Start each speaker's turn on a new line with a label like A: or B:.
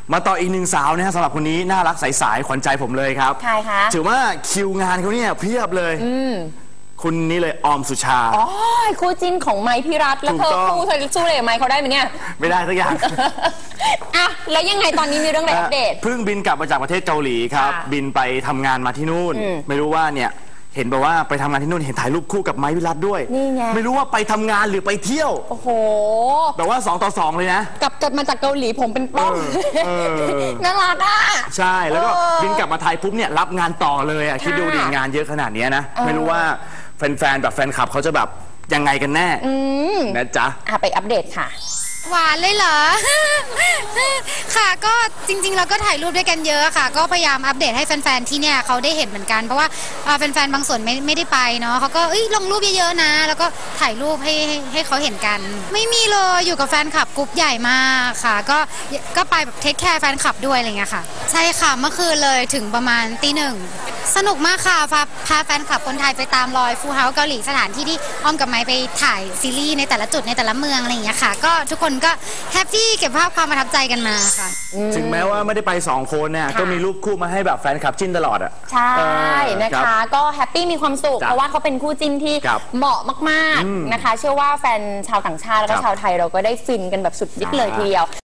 A: มาต่ออีกหนึ่งสาวนะฮะสำหรับคนนี้น่ารักใสๆขวัญใจผมเลยครับ
B: ใครคะ
A: ถือว่าคิวงานเขาเนี่ยเพียบเลยคุณนี่เลยออมสุชา
B: อ๋อคู่จิ้นของไมค์พิรัตแล้วเธอสู้เลยกับไมค์เขาได้ไหมเนี่ย
A: ไม่ได้สักอย่าง
B: อ่ะแล้วยังไงตอนนี้มีเรื่องอะไรอัปเดต
A: เพิ่งบินกลับมาจากประเทศเกาหลีครับบินไปทำงานมาที่นู่นไม่รู้ว่าเนี่ยเห็นบอกว่าไปทำงานที่นู่นเห็นถ่ายรูปคู่กับไมค์พิรัตด้วย
B: นี่ไง
A: ไม่รู้ว่าไปทำงานหรือไปเที่ยว
B: โอ้โห
A: แบบว่า2 ต่อ 2เลยนะ
B: กลับมาจากเกาหลีผมเป็นป้อมน่ารักอ่ะ
A: ใช่แล้วก็บินกลับมาไทยปุ๊บเนี่ยรับงานต่อเลยอ่ะคิดดูดิงานเยอะขนาดนี้นะไม่รู้ว่าแฟนๆแบบแฟนคลับเขาจะแบบยังไงกันแน่นะจ๊ะ
B: ไปอัปเดตค่ะ
C: หวานเลยเหรอ ค่ะก็จริงๆเราก็ถ่ายรูปด้วยกันเยอะค่ะก็พยายามอัปเดตให้แฟนๆที่เนี่ยเขาได้เห็นเหมือนกันเพราะว่าแฟนๆบางส่วนไม่ได้ไปเนาะเขาก็ลงรูปเยอะๆนะแล้วก็ถ่ายรูปให้เขาเห็นกันไม่มีเลยอยู่กับแฟนคลับกรุ๊ปใหญ่มากค่ะก็ไปแบบเทคแคร์แฟนคลับด้วยอะไรเงี้ยค่ะใช่ค่ะเมื่อคืนเลยถึงประมาณตี 1สนุกมากค่ะพาแฟนคลับคนไทยไปตามรอยฟูเฮาส์เกาหลีสถานที่ที่อ้อมกับไมค์ไปถ่ายซีรีส์ในแต่ละจุดในแต่ละเมืองอะไรอย่างเงี้ยค่ะก็ทุกคนก็แฮปปี้เก็บภาพความประทับใจกันมาค่ะ
A: ถึงแม้ว่าไม่ได้ไป2 คนเนี่ยก็มีรูปคู่มาให้แบบแฟนคลับจิ้นตลอดอ่ะ
B: ใช่นะคะก็แฮปปี้มีความสุขเพราะว่าเขาเป็นคู่จิ้นที่เหมาะมากๆนะคะเชื่อว่าแฟนชาวต่างชาติแล้วก็ชาวไทยเราก็ได้ฟินกันแบบสุดฤทธิ์เลยทีเดียว